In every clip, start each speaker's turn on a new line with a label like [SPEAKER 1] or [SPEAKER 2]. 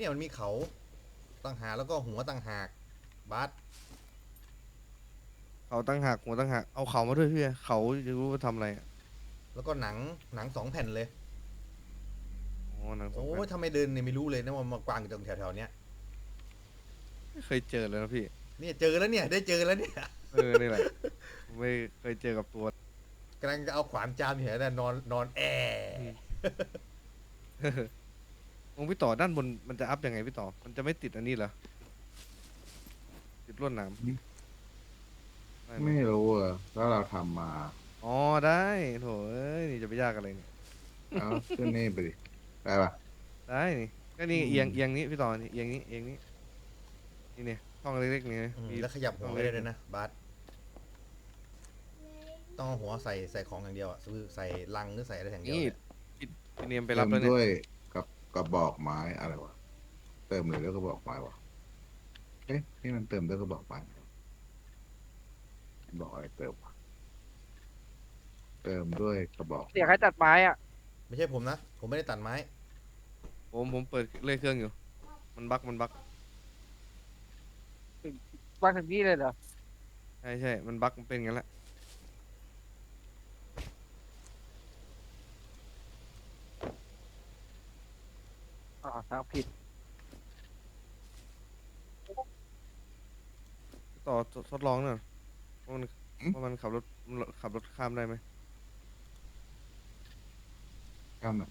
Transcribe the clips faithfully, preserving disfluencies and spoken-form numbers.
[SPEAKER 1] เนี่ยมันมีเขาต่างหากแล้วก็หัวต่างหากบาส
[SPEAKER 2] เขาตั้งหักหัวตั้งหักเอาเขามาด้วยพี่เขาจะรู้ว่าทำอะไรอะ
[SPEAKER 1] แล้วก็หนังหนังสองแผ่นเลย
[SPEAKER 2] อ๋อหนังสอง
[SPEAKER 1] โอ้
[SPEAKER 2] แผ่
[SPEAKER 1] ย
[SPEAKER 2] น
[SPEAKER 1] ทำไมเดินเนี่ยไม่รู้เลยนะว่ามากวางอยู่ตรงแถวๆเนี้ย
[SPEAKER 2] ไม่เคยเจอเลยนะพี่
[SPEAKER 1] เนี่ยเจอแล้วเนี่ยได้เจอแล้วเนี่ย
[SPEAKER 2] เออนี่แหละผมไม่เคยเจอกับตัว
[SPEAKER 1] กำลังจะเอาขวานจามอยู่แถวนั้นนอนนอนแอ
[SPEAKER 2] องค์พี่ต่อด้านบนมันจะอัพยังไงพี่ต่อ มันจะไม่ติดอันนี้เหรอ ติดลวดหนามได้ไหม
[SPEAKER 3] ไม่รู้อ่ะแล้วเราทำมา
[SPEAKER 2] อ๋อได้โถเอ้ยนี่จะไปยากอะไรเนี่ย
[SPEAKER 3] เอาขึ้นนี่ไปดิได้ปะ
[SPEAKER 2] ได้นี่ก็นี่
[SPEAKER 3] อืม
[SPEAKER 2] เอียงเอียงนี้พี่ต่อนี่เอียงนี้เอียงนี้นี่เนี่ยช่องเล็กๆนี่
[SPEAKER 1] อืม
[SPEAKER 2] มี
[SPEAKER 1] แล้วขยับหัวไม่ได้เลยนะบาสต้องเอาหัวใส่ใส่ของอย่างเดียวอ่ะคือใส่ลังหรือใส่อะไรอย่างเดียว
[SPEAKER 2] นี่
[SPEAKER 1] เนี่ย
[SPEAKER 2] พี่พี่เนียมไป
[SPEAKER 3] เติ
[SPEAKER 2] รับ
[SPEAKER 3] ม
[SPEAKER 2] แล้วเนี่ย
[SPEAKER 3] ด้วยกับกระบอกไม้อะไรวะเติมเลยแล้วกระบอกไม้วะเอ๊ะนี่มันเติมด้วยกระบอกไม้บอกอะไรเติมวะเติมด้วยกระบอก
[SPEAKER 4] เสียงใครตัดไม้อ่ะ
[SPEAKER 1] ไม่ใช่ผมนะ ผมไม่ได้ตัดไม้
[SPEAKER 2] ผมผมเปิดเลื่อยเครื่องอยู่ มันบักมันบัก
[SPEAKER 4] วางถึงนี่เลยเหรอ
[SPEAKER 2] ใช่ใช่มันบักมันเป็นงั้นแหละ
[SPEAKER 4] อ๋อทางผิด
[SPEAKER 2] ต่อทดลองหน่อยว่ามันว่ามันขับรถมันขับรถข้ามได้ไหม
[SPEAKER 3] ข้ามหน่อย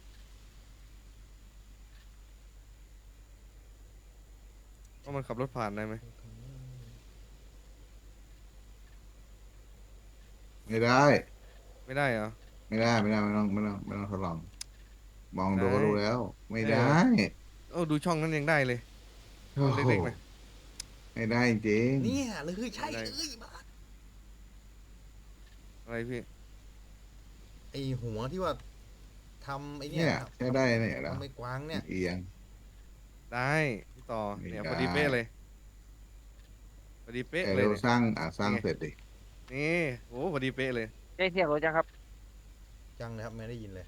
[SPEAKER 2] ว่ามันขับรถผ่านได้ไหม
[SPEAKER 3] ไม่ได้
[SPEAKER 2] ไม่ได้เหรอ
[SPEAKER 3] ไม่ได้ไม่ได้ไม่ต้องไม่ต้องไม่ต้องทดลอง มองดู
[SPEAKER 2] ได้
[SPEAKER 3] ก็รู้แล้ว ไม่ได้
[SPEAKER 2] เออดูช่องนั้นยังได้เลย
[SPEAKER 3] โอ้โห
[SPEAKER 2] เล็กๆนะ
[SPEAKER 3] ไม่ได้จริง
[SPEAKER 1] เนี่ยเลยใช่
[SPEAKER 2] ได้
[SPEAKER 1] เลยบาส
[SPEAKER 2] อะไรพี่
[SPEAKER 1] ไอหัวที่ว่าทำไอเนี่
[SPEAKER 3] เนี่ย ยใช้ได้เนี่ยแล้ว
[SPEAKER 1] ทำไอ้กวางเนี่ย
[SPEAKER 3] เอียง
[SPEAKER 2] ได้พี่ต่อ
[SPEAKER 3] ไม่
[SPEAKER 2] เนี่ย
[SPEAKER 3] ได้
[SPEAKER 2] พอดีเป๊ะเลยพอดีเป๊ะ
[SPEAKER 3] แต่
[SPEAKER 2] เลย
[SPEAKER 3] เรา
[SPEAKER 2] เนี่ย
[SPEAKER 3] สร้างอ่ะสร้าง
[SPEAKER 2] นี่ไง
[SPEAKER 3] เสร็จดิ
[SPEAKER 2] นี่โอ้พอดีเป๊ะเลย
[SPEAKER 4] ได้เสียงรถยังครับ
[SPEAKER 1] จังเลยครับไม่ได้ยินเลย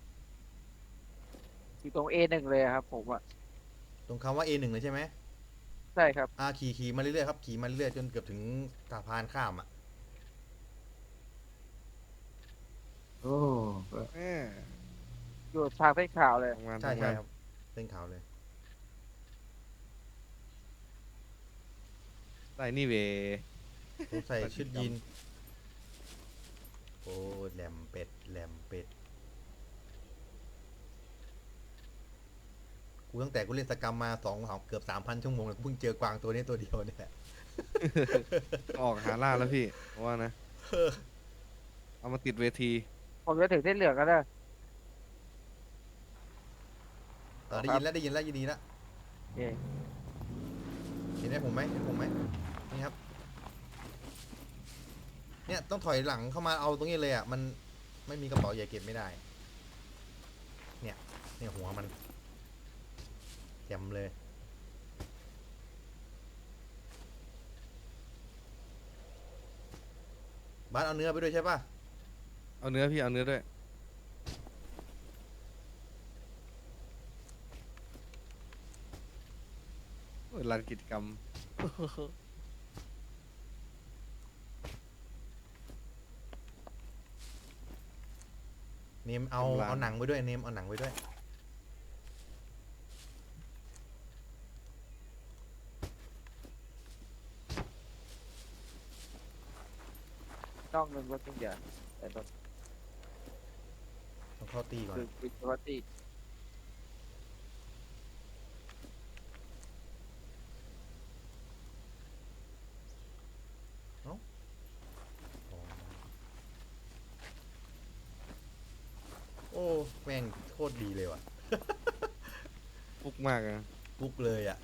[SPEAKER 4] อยู่ตรง เอ หนึ่งเลยอะครับ ผมอ่ะ
[SPEAKER 1] ตรงคำว่า เอ หนึ่ง เลยใช่ไหม
[SPEAKER 4] ใช่ครับ
[SPEAKER 1] อ่าขี่ขี่มาเรื่อยๆครับขี่มาเรื่อยๆจนเกือบถึงสะพานข้ามอ่ะ
[SPEAKER 3] โอ้
[SPEAKER 2] แม่
[SPEAKER 4] อยู่ทางเส้นขาวเลย
[SPEAKER 2] ทำงาน
[SPEAKER 1] ใช่
[SPEAKER 2] ทำ
[SPEAKER 1] ใช่
[SPEAKER 2] งาน
[SPEAKER 1] ครับเส้นขาวเลย
[SPEAKER 2] ได้นี่เว
[SPEAKER 1] ผมใส่
[SPEAKER 2] ปฏิ
[SPEAKER 1] ชุด
[SPEAKER 2] กรรม
[SPEAKER 1] ยีนโอ้แหลมเป็ดแหลมเป็ดกูตั้งแต่กูเล่นสกรรมมาสองเกือบสามพันชั่วโมงเลยกูเพิ่งเจอกวางตัวนี้ตัวเดียวเนี่ยแหละ
[SPEAKER 2] ออกหาล่าแล้วพี่เพราะว่านะ เอามาติดเวที
[SPEAKER 4] ผมจะถึงเส้นเหลืองกันแล้ว
[SPEAKER 1] เออได้ยินแล้วได้ยินแล้วยินดีแล้ว
[SPEAKER 4] โอเค
[SPEAKER 1] เห็นไหมผมไหมเห็นผมไหมนี่ครับ เนี่ยต้องถอยหลังเข้ามาเอาตรงนี้เลยอ่ะมันไม่มีกระเป๋าใหญ่เก็บไม่ได้ เนี่ยเนี่ยหัวมันแจ่มเลยบ้านเอาเนื้อไปด้วยใช่ป่ะ
[SPEAKER 2] เอาเนื้อพี่เอาเนื้อด้วยโอ้ยลานกิจกรรม
[SPEAKER 1] เนมเอา
[SPEAKER 2] กำลัง
[SPEAKER 1] เอาหนังไปด้วยเนมเอาหนังไปด้วย
[SPEAKER 4] ต้องหนึ่งรถทุกอย่างแต่รถ
[SPEAKER 1] ต้องเข้าตีก่อน
[SPEAKER 4] คือคือปกติ
[SPEAKER 1] โอ้แม่งโคตรดีเลยว่ะ
[SPEAKER 2] ฟุกมากนะ
[SPEAKER 1] ปุ๊กเลยอ่ะ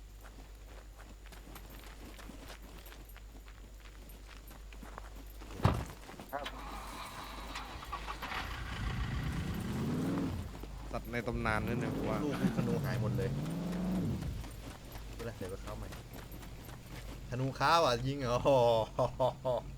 [SPEAKER 2] ตัดในตำนานนั่นเนี่ยผมว่า
[SPEAKER 1] ลูกธนูหายหมดเลยไม่เป็นไรเดี๋ยวไปเข้าใหม่ธนูค้าว่ะยิงเหรอ